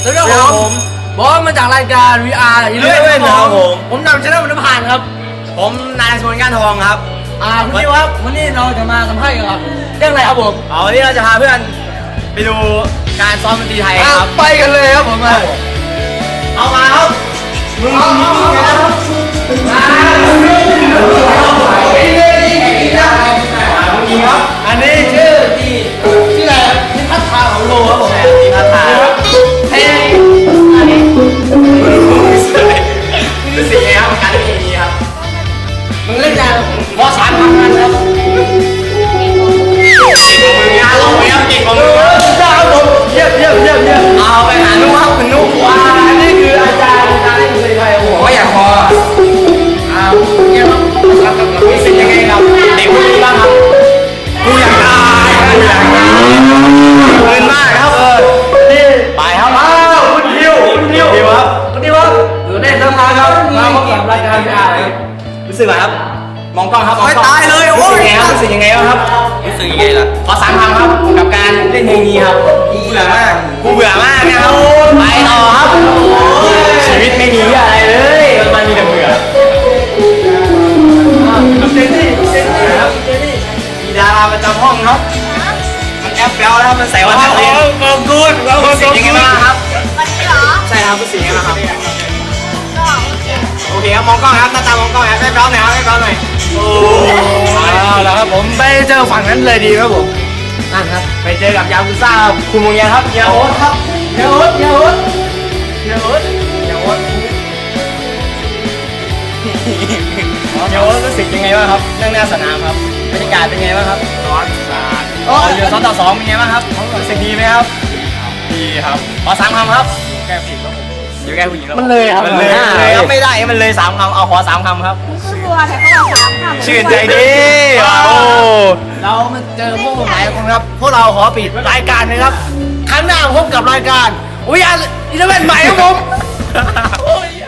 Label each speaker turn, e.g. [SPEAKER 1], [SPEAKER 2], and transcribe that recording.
[SPEAKER 1] แล้วก็ผมบอสมาจากรายการ VR 11ครับผมนำชนะมันผ่านครับผมนายชวนก้านทองครับคุณนิวครับวันนี้เราจะมาสัมภาษณ์กันครับเรื่องอะไรครับผมวันนี้เราจะพาเพื่อนไปดูการซ้อมดนตรีไทยครับไปกันเลยครับผมเอามาครับมึงอันนี้ชื่ออะไรนิพัฒนาของโลครับผมนิพัฒนาเฮ้ยรู้สึกไงครับการเล่นเพลงนี้ครับมึงเล่นยังมอสามทำงานครับมึงงานลงไปครับเก่งของมึงครับผมเยี่ยมเอาไปหานุครับคุณนุว้านี่คืออาจารย์การเล่นเพลงไทยผมก็อยากพอเยี่ยมครับรู้สึกยังไงครับเด็กคนนี้บ้างครับกูอยากได้เงินมากครับนี่ไปครับคุณทิวครับอยู่ในสภาครับมาพบกับรายการVRครับรู้สึกไงครับมองกล้องครับมองกล้องตายเลยโอ้ยรู้สึกยังไงครับรู้สึกยังไงล่ะขอ3 คำครับกับการเล่นเพลงนี้ครับกูเบื่อมากนะครับไปต่อครับชีวิตไม่มีอะไรเลยมันมีแต่เบื่อเจนนี่ครับมีดาราประจำห้องครับมันแอปแปลวแล้วมันใส่วันเรียนขอบคุณรู้สึกยังไงบ้างครับ
[SPEAKER 2] วันนี้เหรอ
[SPEAKER 1] ใช่ครับรู้สึกยังไงบ้างครับ
[SPEAKER 2] ก็โอเค
[SPEAKER 1] โอเคครับมองกล้องครับหน้าตามองกล้องครับให้เบลหน่อยครับให้เบลหน่อยโอ้แล้วครับผมไปเจอฝั่งนั้นเลยดีครับผมนั่นครับไปเจอกับยากุซ่าคุณมงยาครับยาโอ๊ตครับยาโอ๊ตรู้สึกยังไงบ้างครับนั่งหน้าสนามครับบรรยากาศเป็นไงบ้างครับร้อนสาดอยู่2 ต่อ 2เป็นไงบ้างครับรู้สึกดีไหมครับดีครับขอ3 คำครับแก้ผิดครับผมอยู่แก้ผู้หญิงมันเลยครับมันเลยครับไม่ได้มันเลย3 คำเอาขอ3 คำครับ
[SPEAKER 2] ชัวร์แต่เขาบอก3 คำ
[SPEAKER 1] ชื่นใจดีโอ้เรามาเจอพวกหลายคนครับพวกเราขอปิดรายการนะครับครั้งหน้าพบกับรายการวิญญาณ11ใหม่ครับผม